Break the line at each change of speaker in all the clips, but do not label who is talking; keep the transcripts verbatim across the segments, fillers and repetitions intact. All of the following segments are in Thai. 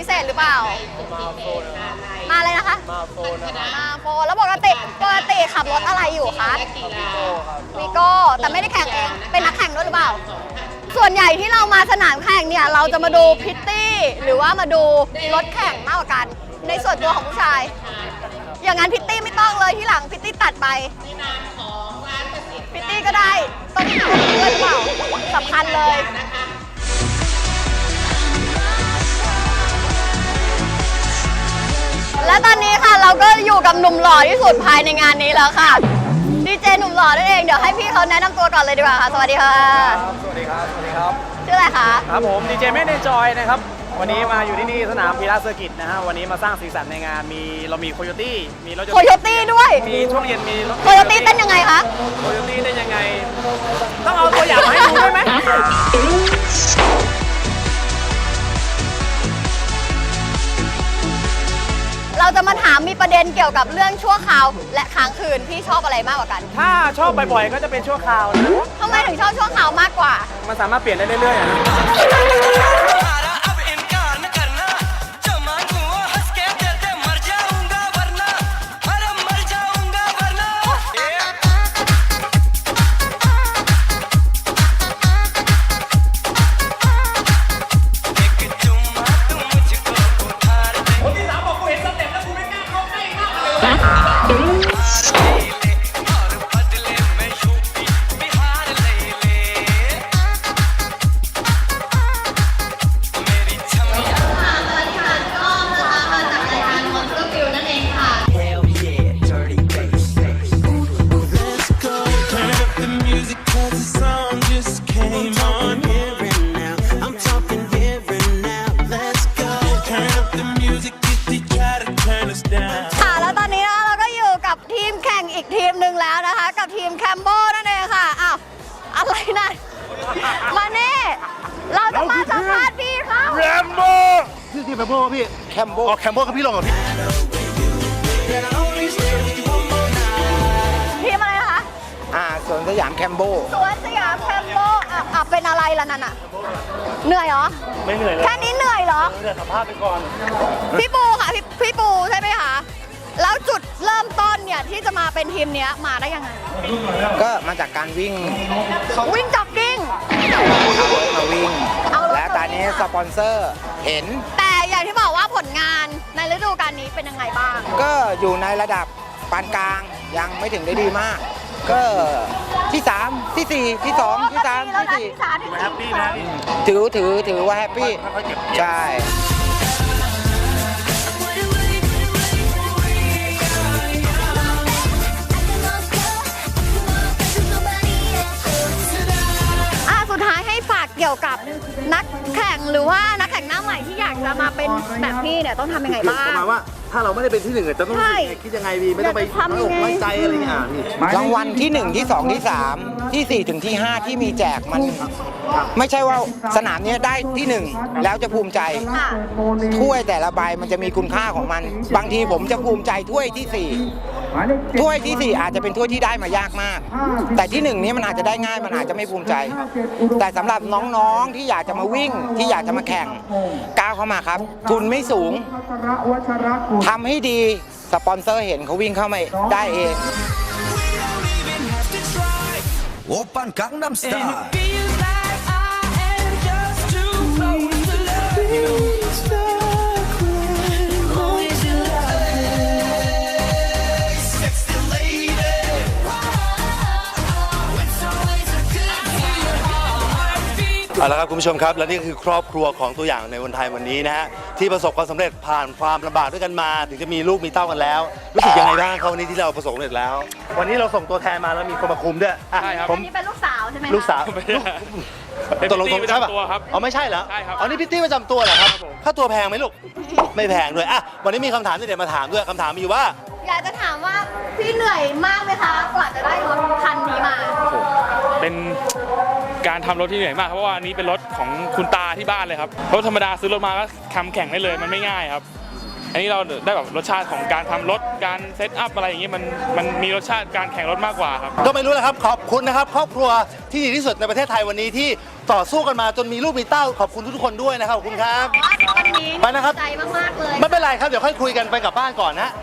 เศษหรือเปล่ามาโฟนมาเลยนะคะมาโฟนมาโฟนแล้วปกติปกติขับรถอะไรอยู่คะวีโก้แต่ไม่ได้แข่งเองเป็นนักแข่งด้วยหรือเปล่าส่วนใหญ่ที่เรามาสนามแข่งเนี่ยเราจะมาดูพิตตี้หรือว่ามาดูรถแข่งมากกว่ากันในส่วนตัวของผู้ชายอย่างนั้นพิตตี้ไม่ต้องเลยที่หลังพิตตี้ตัดไปพิตตี้ก็ได้ต้องหาเพื่อนหรือเปล่าสำคัญเลยและตอนนี้ค่ะเราก็อยู่กับหนุ่มหล่อที่สุดภายในงานนี้แล้วค่ะดีเจหนุ่มหล่อนั่นเองเดี๋ยวให้พี่เขาแนะนำตัวก่อนเลยดีกว่าค่ะสวัสดีค่ะ
สวัสดีครับสวัสดีครับ
ชื่ออะไรคะ
ครับผมดีเจเมฆเนจอยนะครับวันนี้มาอยู่ที่นี่สนามพีระเซอร์กิตนะฮะวันนี้มาสร้างสีสันในงานมีเรามีโคโยตี้มีรถ
โคโยตี้ด้วย
มีช่วงเย็นมีรถ
โคโยตี้เต้นยังไงคะ
โคโยตี้เต้นยังไงต้องเอาตัวอย่างมาให้ดูได้ไหม
เราจะมาถามมีประเด็นเกี่ยวกับเรื่องชั่วคราวและค้างคืนพี่ชอบอะไรมากกว่ากัน
ถ้าชอบบ่อยๆก็จะเป็นชั่วคราวนะ
ทำไมถึงชอบชั่วคราวมากกว่า
มันสามารถเปลี่ยนได้เรื่อยๆนะ
ทีมหนึ่งแล้วนะคะกับทีมแคมโบนั่นเองค่ะอ้าวอะไรนั่นมาเน่เราจะมาสัมภาษณ์พี่เขา
แคมโบพี่ทีมแคมโบพี่แคมโบอ๋อแคมโบกับพี่ลงกับพี่
ทีมอะไรคะ
อ่าสวนสยามแคมโบ
สวนสยามแคมโบอ่ะอ่ะเป็นอะไรล่ะนั่นอ่ะเหนื่อยเหรอ
ไม่เหนื่อยเลย
แค่นี้เหนื่อยเหรอ
เดี๋ยวสัมภาษณ์ไปก่อน
พี่ปูค่ะพี่พี่ปูใช่ไหมคะแล้วจุดเริ่มต้นเนี่ยที่จะมาเป็นทีมนี้มาได้ยังไง
ก็มาจากการวิ่ง
วิ่งจ็อกกิ้ง
มาวิ่งแล้วตอนนี้สปอนเซอร์เห็น
แต่อย่างที่บอกว่าผลงานในฤดูกาลนี้เป็นยังไงบ้าง
ก็อยู่ในระดับปานกลางยังไม่ถึงได้ดีมากก็ที่สามที่สี่ที่สองที่สามที่สี่
แฮปปี้นะ
ถือถือถือว่าแฮปปี้ใช่
เกี่ยวกับนักแข่งหรือว่านักแข่งหน้าใหม่ที่อยากจะมาเป็นแบบพี่เนี่ยต้องทำยังไงบ้าง
ประมาณว่าถ้าเราไม่ได้เป็นที่หนึ่งจะต้องคิดยังไงดีไม่ต้องไปทำอกไม่ใจอะไรเงี้ยรางวัลที่หนึ่งที่สองที่สามที่สี่ถึงที่ห้าที่มีแจกมันไม่ใช่ว่าสนามนี้ได้ที่หนึ่งแล้วจะภูมิใจถ้วยแต่ละใบมันจะมีคุณค่าของมันบางทีผมจะภูมิใจถ้วยที่สี่ถ้วยที่สี่อาจจะเป็นถ้วยที่ได้มายากมากแต่ที่หนึ่งนี้มันอาจจะได้ง่ายมันอาจจะไม่ภูมิใจแต่สำหรับน้องๆที่อยากจะมาวิ่งที่อยากจะมาแข่งก้าวเข้ามาครับทุนไม่สูงทำให้ดีสปอนเซอร์เห็นเขาวิ่งเข้ามาได้เองโอปันกังนัมสไตล์เอาละครับคุณผู้ชมครับและนี่คือครอบครัวของตัวอย่างในวันไทยวันนี้นะฮะที่ประสบความสำเร็จผ่านความลำบากด้วยกันมาถึงจะมีลูกมีเต้ากันแล้วรู้สึกยังไงบ้างครับวันนี้ที่เราประสบความสำเร็จแล้ววันนี้เราส่งตัวแทนมาแล้วมีคนมาคุมด้วย
ใช่ครับผมนี่เป็นลูกสาวใช่ไหม
ลูกสาวตกลงใช่ป่ะอ๋อไม่ใช่เหรออ๋อนี่พิตตี้ประจำตัวเหรอครับค่าตัวแพงไหมลูกไม่แพงด้วยอ่ะวันนี้มีคำถามที่เดี๋ยวมาถามด้วยคำถามมีอยู่ว่า
อยากจะถามว่าพี่เหนื่อยมากไหมคะกว่าจะได้รถคันนี้มา
เป็นการทำรถที่เหนื่อยมากเพราะว่าอันนี้เป็นรถของคุณตาที่บ้านเลยครับรถธรรมดาซื้อรถมาก็ทำแข่งได้เลยมันไม่ง่ายครับอันนี้เราได้แบบรสชาติของการทำรถการเซตอัพอะไรอย่างงี้มันมันมีรสชาติการแข่งรถมากกว่าครับ
ก็ไม่รู้แหละครับขอบคุณนะครับครอบครัวที่ดีที่สุดในประเทศไทยวันนี้ที่ต่อสู้กันมาจนมีลูกมีเต้าขอบคุณทุกคนด้วยนะครับขอบคุณครับ
วันนี้
ไปนะครับ
ใจมากๆเลย
ไม่เป็นไรครับเดี๋ยวค่อยคุยกันไปกลับบ้านก่อนนะ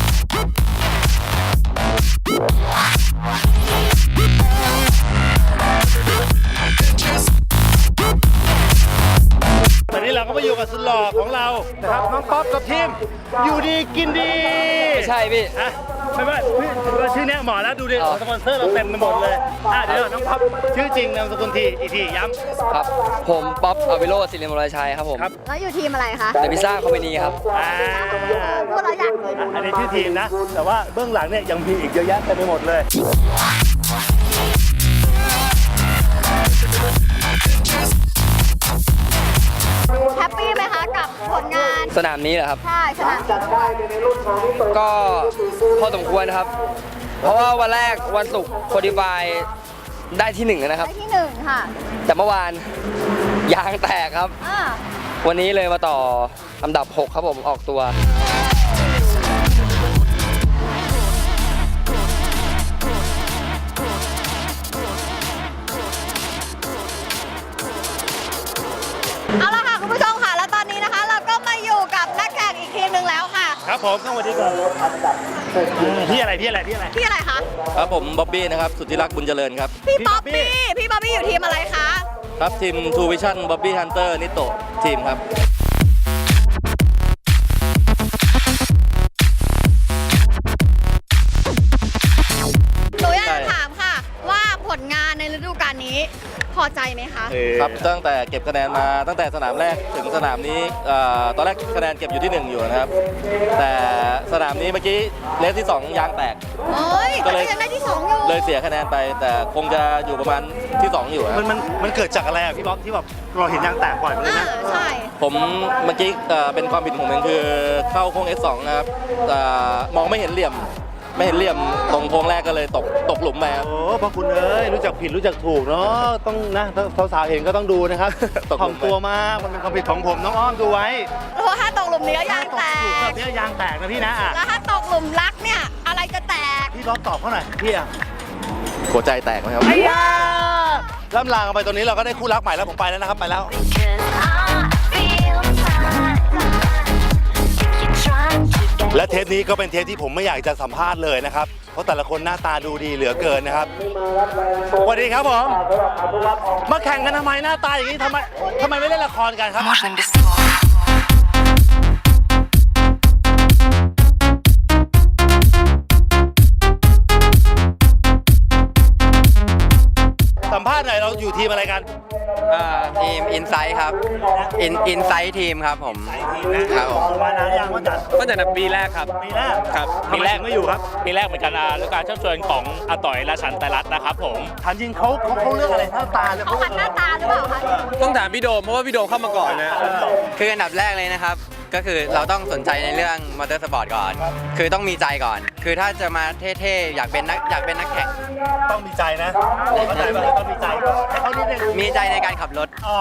ตอนนี้เราก็มาอยู่กับสุดหล่อของเรานะครับน้องป๊อปกับทีมอยู่ดีกินดีไม่
ใช่พี่
อะไม่ว่าชื่อเนี้ยเหมาะแล้วดูดิสปอนเซอร์เราเต็มไปหมดเลยอ่ะเดี๋ยวน้องป๊อปชื่อจริงนามสกุลทีอีกทีย้ำ
ครับ ผมป๊อปอวิโรจน์ศิริมรชัยครับผม
ครับ
แล้วอยู่ทีมอะไรคะ
เดอะพิซซ่าคอมพานีครับ
อ่า
พูดเราอยากกิน
อันนี้ชื่อทีมนะ แต่ว่าเบื้องหลังเนี่ยยังมีอีกเยอะแยะเต็มไปหมดเลย
แฮปปี้ไหมคะกับผลงาน
สนามนี้เหรอครับ
ใช่สนามนี้
ก็พอสมควรนะครับ เพราะว่าวันแรกวันศุกร์โคดิฟายได้ที่หนึ่งนะครับ
ได้ที่หนึ่งค่ะ
แต่เมื่อวานยางแตกครับ
อ่า
วันนี้เลยมาต่ออันดับหกครับผมออกตัว
เอาละค่ะคุณผู้ชมค่ะ แล้วตอนนี้นะคะ เราก็มาอยู่กับนักแข่งอีกทีมหนึ่งแล้วค่ะ
ครับผมสวัสดีครับพี่อะไรพี่อะไรพี่อะไร
พี่อะไรคะ
ครับผมบ๊อบบี้นะครับสุทธิรักษ์บุญเจริญครับ
พี่ป๊อปปี้ พี่ป๊อปปี้อยู่ทีมอะไรคะ
ครับทีม True Vision Bobby Hunter นิโตทีมครับ
หนูอยากจะถามค่ะ ว่าผลงานในฤดูกาลนี้พอใจไหมคะ
ครับตั้งแต่เก็บคะแนนมาตั้งแต่สนามแรกถึงสนามนี้เอ่อตอนแรกคะแนนเก็บอยู่ที่หนึ่งอยู่นะครับ แต่สนามนี้เมื่อกี้เลสที่สองยางแตก
โอ้ย
ก็
แต่
เลย
ก็ยังได้ที่สองอยู่
เลยเสียคะแนนไป แต่คงจะอยู่ประมาณที่สองอยู่ค
มั
รับ
นมันมันเกิดจากอะไรอ่ะพี่บ๊อบที่แบบเราเห็นยางแตกบ่อยเหมือนกัน
อ่า
นะ
ใช่
ผมเมื่อกี้เอ่อเป็นความผิดของผมเองคือเข้าโค้ง เอส สอง นะครับเอ่อมองไม่เห็นเหลี่ยม ไม่เห็นเหลี่ยมตรงโค้งแรกก็เลยตกตกหลุมไปครับ
โอ้พระคุณเอ้ยรู้จักผิดรู้จักถูกเนาะต้องนะสาวๆเห็นก็ต้องดูนะครับ
ตกหลุม
ถ่อมตัวมากมันเป็นความผิดของผมน้องอ้อมดูไว้
เพราะว่าถ้าตกหลุมนี้ก็ยางแต
หลุมแบ
ก
บนี้ยางแตกนะพี่นะอ่ะ
แล้วถ้าตกหลุมรักเนี่ย อะไรจะแตก
พี่บ๊อบตอบเขาหน่อยพี่อ่ะ
หัวใจแตกไหมครับ
ไอ้ยาล่ำลากันไปตรงนี้เราก็ได้คู่รักใหม่แล้วผมไปแล้วนะครับไปแล้ว และเทปนี้ก็เป็นเทปที่ผมไม่อยากจะสัมภาษณ์เลยนะครับ เพราะแต่ละคนหน้าตาดูดีเหลือเกินนะครับสวัสดีครับผมมาแข่งกันทำไมหน้าตาอย่างนี้ทำไมทำไมไม่เล่นละครกันครับสัมภาษณ์หน่อยเราอยู่ทีมอะไรกัน
ทีมอินไซต์ครับอินอินไซต์ทีมครับผม
ทีมนะครับ
ผม
มานานยังว่าจัด
ตั้งแต่ปีแรกครับ
ปีแรก
ครับ
ปีแรกไม่อยู่ครับ
ปีแรกเหมือนกันอ่ะด้วยการเชิญชวนของอาต่อยราชันไตรรัตน์นะครับผม
ถามจริงเขาเขาเขาเลือกอะไรหน้าตาเลย
เขาหันหน้าตาหรือเปล่าคะ
ต้องถามพี่โดมเพราะว่าพี่โดมเข้ามาก่อนนะ
คืออันดับแรกเลยนะครับ ก็คือเราต้องสนใจในเรื่องมอเตอร์สปอร์ตก่อน คือต้องมีใจก่อน คือถ้าจะมาเท่ๆ อยากเป็นนักอยากเป็นนักแข่ง
ต้องมีใจนะเข้าใจป่ะต้องมีใจให้เขานิดนึง
มีใจในการขับรถ
อ๋อ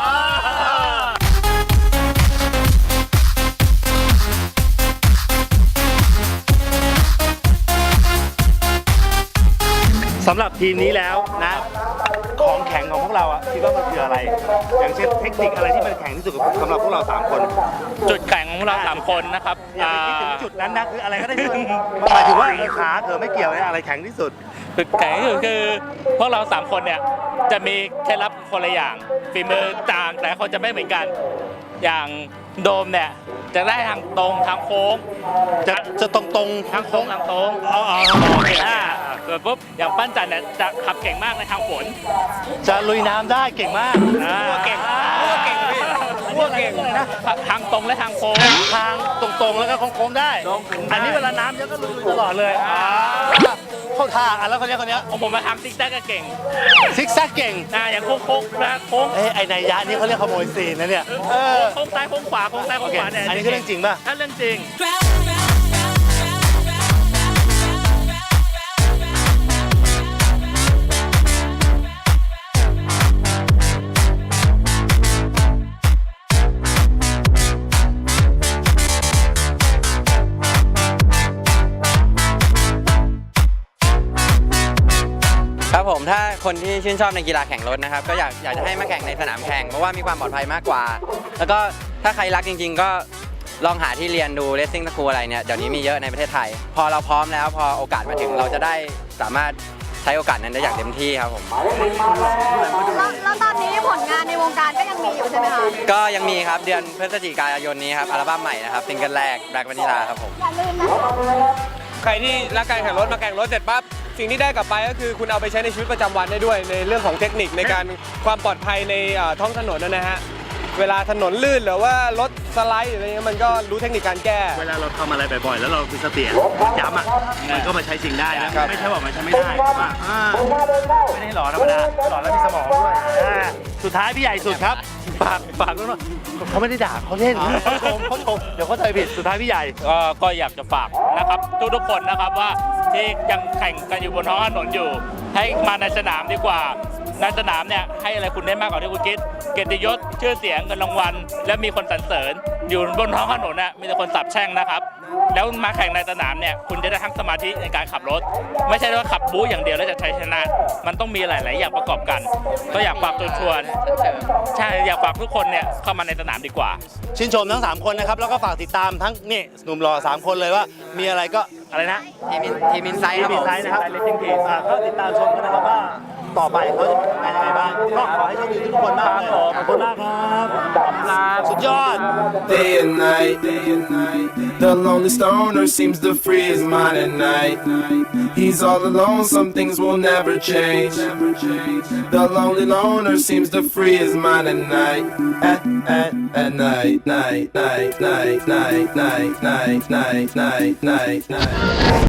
สำหรับทีมนี้แล้วนะ ของแข็งของพวกเราอ่ะคิดว่ามันคืออะไร อย่างเช่นเทคนิคอะไรที่มันแข็งที่สุดสำหรับพวกเราสามคน
จุดแข่งของเราสามคนนะครับ
อย่าไปคิดถึงจุดนั้นนะคืออะไรก็ได้ที่มันหมายถึงว่าเออขาเธอไม่เกี่ยวนะอะไรแข็งที่สุด
จุดแข่งก็คือคือพวกเราสามคนเนี่ยจะมีเคล็ดลับคนละอย่างฝีมือต่างแต่ละคนจะไม่เหมือนกัน อย่างโดมเนี่ยจะได้ทางตรงทางโค้ง
จะจะตรงตรง
ทางโค้งทางโค้ง
อ๋ออ๋อ
โอเคอ่าส่วนปุ๊บอย่างปั้นจันเนี่ยจะขับเก่งมากในทางฝน
จะลุยน้ำได้เก่งมาก
อ่า
เก่ง
พวกเก่งพี่พวกเก่งนะทางตรงและทางโค้ง
ทางตรงๆแล้วก็โค้งๆได้ อันนี้เวลาน้ำเยอะก็ลุยตลอดเลยอ่าเข้าท่าอ่ะแล้วคนเนี้ยคนเนี้ย
ของผมมาทางซิกแซกก็เก่ง
ซิกแซกเก่ง
อ่าอย่างโค้งโค้งนะโค้ง
เอ้ยไอ้นายยะนี่เขาเรียกขโมยซีนนะเนี่ยเออ
โค้งซ้ายโค้งขวาโค้งซ้ายโค้งขวาเนี่ย
อันนี้คือเรื่องจริงป่ะ
ถ้าเรื่องจริง
คนที่ชื่นชอบในกีฬาแข่งรถนะครับก็อยากอยากจะให้มาแข่งในสนามแข่งเพราะว่ามีความปลอดภัยมากกว่า แล้วก็ถ้าใครรักจริง ๆ ก็ลองหาที่เรียนดูเลสซิ่งสคูลอะไรเนี่ยเดี๋ยวนี้มีเยอะในประเทศไทย พอเราพร้อมแล้วพอโอกาสมาถึงเราจะได้สามารถใช้โอกาสนั้นได้อย่างเต็มที่ครับผม
แล้วแล้วตอนนี้ผลงานในวงการก็ยังมีอยู่ใช่ไหมคะ
ก็ยังมีครับเดือนพฤศจิกายนนี้ครับอัลบั้มใหม่นะครับซิงเกิลแรก Black Vanilla ครับผม
อย่าลืมนะ
ใครที่รักการแข่งรถมาแข่งรถเสร็จปั๊บสิ่งที่ได้กลับไปก็คือคุณเอาไปใช้ในชีวิตประจำวันได้ด้วยในเรื่องของเทคนิคในการความปลอดภัยในเอ่อท้องถนนนะฮะเวลาถนนลื่นหรือว่ารถสไลด์อะไรเงี้ยมันก็รู้เทคนิคการแก้
เวลาเราทำอะไรบ่อยๆ แล้วเรามีสติย้ำอ่ะมันก็มาใช้จริงได้นะไม่ใช่ว่ามันใช้ไม่ได้ว่าอ่าไม่ได้หล่อธรรมดาหล่อแล้วมีสมองด้วยอ่าสุดท้ายพี่ใหญ่สุดครับฝากฝากด้วยว่าเขาไม่ได้ด่าเขาเล่นเขาชมเขาชมเดี๋ยวเขาใจผิดสุดท้ายพี่ใหญ่
ก็ก็อยากจะฝากนะครับทุกๆคนนะครับว่าที่ยังแข่งกันอยู่บนท้องถนนอยู่ ให้มาในสนามดีกว่าในสนามเนี่ยให้อะไรคุณได้มากกว่าที่คุณคิดเกียรติยศชื่อเสียงเงินรางวัลและมีคนสรรเสริญอยู่บนท้องถนนน่ะมีแต่คนสาปแช่งนะครับแล้วมาแข่งในสนามเนี่ยคุณจะได้ทั้งสมาธิในการขับรถ ไม่ใช่ว่าขับบู๊อย่างเดียวแล้วจะใช้ชนะมันต้องมีหลายๆอย่างประกอบกัน ก็อยากฝากตัวชวนใช่อยากฝากทุกคนเนี่ยเข้ามาในสนามดีกว่า
ชื่นชมทั้งสามคนนะครับแล้วก็ฝากติดตามทั้งนี่หนุ่มหล่อสามคนเลยว่ามีอะไรก็อะไรนะ
ทีมทีมอินไซด์ครับ
ที
ผม
ไซน์นะครับเลสซิ่งทีอ่าก็ติดตามชมกันนะครับว่าต่อไปเขาจะเป็นยังไงบ้างก็ขอให้โชคดีทุกคนมากเลยขอบคุณมากครับสุดยอด
Day and night, the lonely stoner seems to free his mind at night. He's all alone, some things will never change. The lonely loner seems to free his mind at night. At, at, at night, night, night, night, night, night, night, night, night, night, night.